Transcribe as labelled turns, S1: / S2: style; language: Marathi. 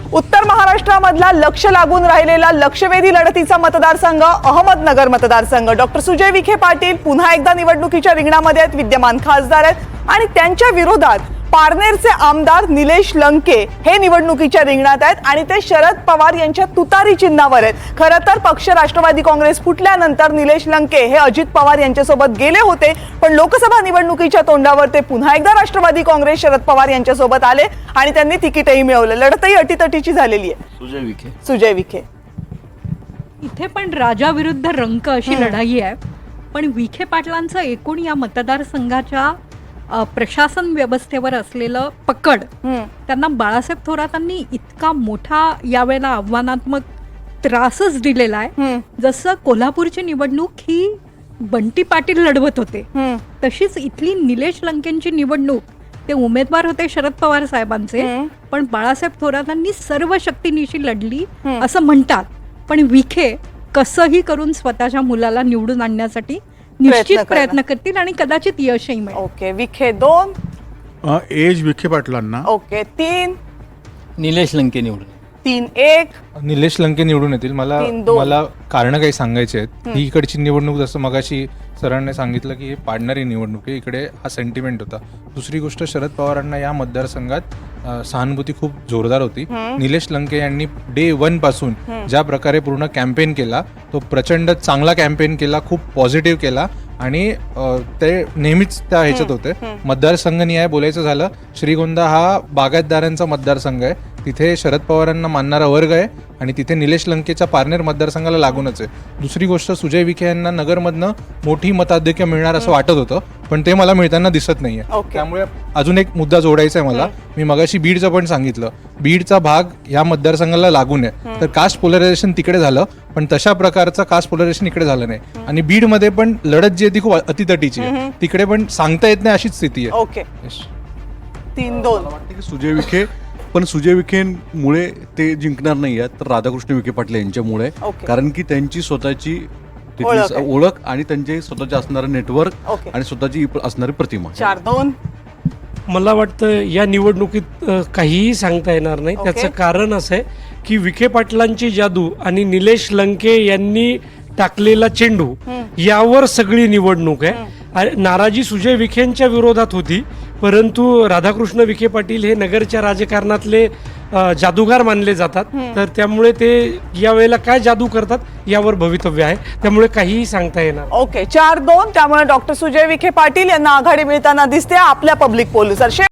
S1: उत्तर महाराष्ट्रामधला लक्ष लागून राहिलेला लक्षवेधी लढतीचा मतदारसंघ अहमदनगर मतदारसंघ। डॉक्टर सुजय विखे पाटील पुन्हा एकदा निवडणुकीच्या रिंगणामध्ये आहेत, विद्यमान खासदार आहेत आणि त्यांच्या विरोधात पारनेरचे आमदार निलेश लंके हे निवडणुकीच्या रिंगणात आहेत आणि ते शरद पवार यांच्या तुतारी चिन्हावर आहेत। खरं तर पक्ष राष्ट्रवादी काँग्रेस फुटल्यानंतर निलेश लंके हे अजित पवार यांच्यासोबत गेले होते, पण लोकसभा निवडणुकीच्या तोंडावर ते पुन्हा एकदा राष्ट्रवादी काँग्रेस शरद पवार यांच्यासोबत आले आणि त्यांनी तिकीटही मिळवलं। लढतही अटीतटीची झालेली आहे। सुजय विखे
S2: इथे पण राजा विरुद्ध रंक अशी लढाई आहे, पण विखे पाटलांचं एकूण या मतदारसंघाच्या प्रशासन व्यवस्थेवर असलेलं पकड त्यांना बाळासाहेब थोरातांनी इतका मोठा यावेळेला आव्हानात्मक त्रासच दिलेला आहे। जसं कोल्हापूरची निवडणूक ही बंटी पाटील लढवत होते, तशीच इथली निलेश लंकेंची निवडणूक ते उमेदवार होते शरद पवार साहेबांचे, पण बाळासाहेब थोरातांनी सर्व शक्तीनिशी लढली असं म्हणतात। पण विखे कसंही करून स्वतःच्या मुलाला निवडून आणण्यासाठी निश्चित प्रयत्न करतील आणि कदाचित यशही मिळेल।
S1: ओके, विखे 2,
S3: एज विखे पाटलांना।
S1: ओके 3,
S4: निलेश लंके निवडून
S1: 3-1,
S5: निलेश लंके निवडून येतील। मला कारण काही सांगायचे आहेत। ही इकडची निवडणूक जसं मगाशी सरांनी सांगितलं की हे पाडणारी निवडणूक आहे, इकडे हा सेंटिमेंट होता। दुसरी गोष्ट, शरद पवारांना या मतदारसंघात सहानुभूती खूप जोरदार होती। निलेश लंके यांनी डे 1 पासून ज्या प्रकारे पूर्ण कॅम्पेन केला, तो प्रचंड चांगला कॅम्पेन केला, खूप पॉझिटिव्ह केला आणि ते नेहमीच त्या ह्याच्यात होते। मतदारसंघनिहाय बोलायचं झालं, श्रीगोंदा हा बागायतदारांचा मतदारसंघ आहे, तिथे शरद पवारांना मानणारा वर्ग आहे आणि तिथे निलेश लंकेच्या पारनेर मतदारसंघाला लागूनच आहे। दुसरी गोष्ट, सुजय विखे यांना नगरमधनं मोठी मताधिक्य मिळणार असं वाटत होतं, पण ते मला मिळताना दिसत नाहीये। त्यामुळे अजून एक मुद्दा जोडायचा आहे मला। मी मगाशी बीडचं पण सांगितलं, बीडचा भाग या मतदारसंघाला लागून आहे, तर कास्ट पोलरायझेशन तिकडे झालं, पण तशा प्रकारचं कास्ट पोलरायझेशन इकडे झालं नाही। आणि बीडमध्ये पण लढत जी आहे ती खूप अतितटीची आहे, तिकडे पण सांगता येत नाही अशीच स्थिती आहे।
S1: ओके 3-2
S3: वाटतं की सुजय विखे, पण सुजय विखेंमुळे ते जिंकणार नाही आहेत, तर राधाकृष्ण विखे पाटील यांच्यामुळे, कारण की त्यांची स्वतःची ओळख आणि त्यांचे स्वतःचे असणारं नेटवर्क आणि स्वतःची असणारी प्रतिमा।
S1: 4-2
S6: मला वाटतं या निवडणुकीत काहीही सांगता येणार नाही। त्याचं कारण असं आहे की विखे पाटलांची जादू आणि निलेश लंके यांनी टाकलेला चेंडू यावर सगळी निवडणूक आहे। नाराजी सुजय विखेंच्या विरोधात होती, परंतु राधाकृष्ण विखे पाटील हे नगरच्या राजकारणातले जादूगार मानले जातात, तर त्यामुळे ते यावेळेला काय जादू करतात यावर भवितव्य आहे, त्यामुळे काहीही सांगता येणार।
S1: ओके 4-2, त्यामुळे डॉक्टर सुजय विखे पाटील यांना आघाडी मिळताना दिसते आपल्या पब्लिक पोलनुसार।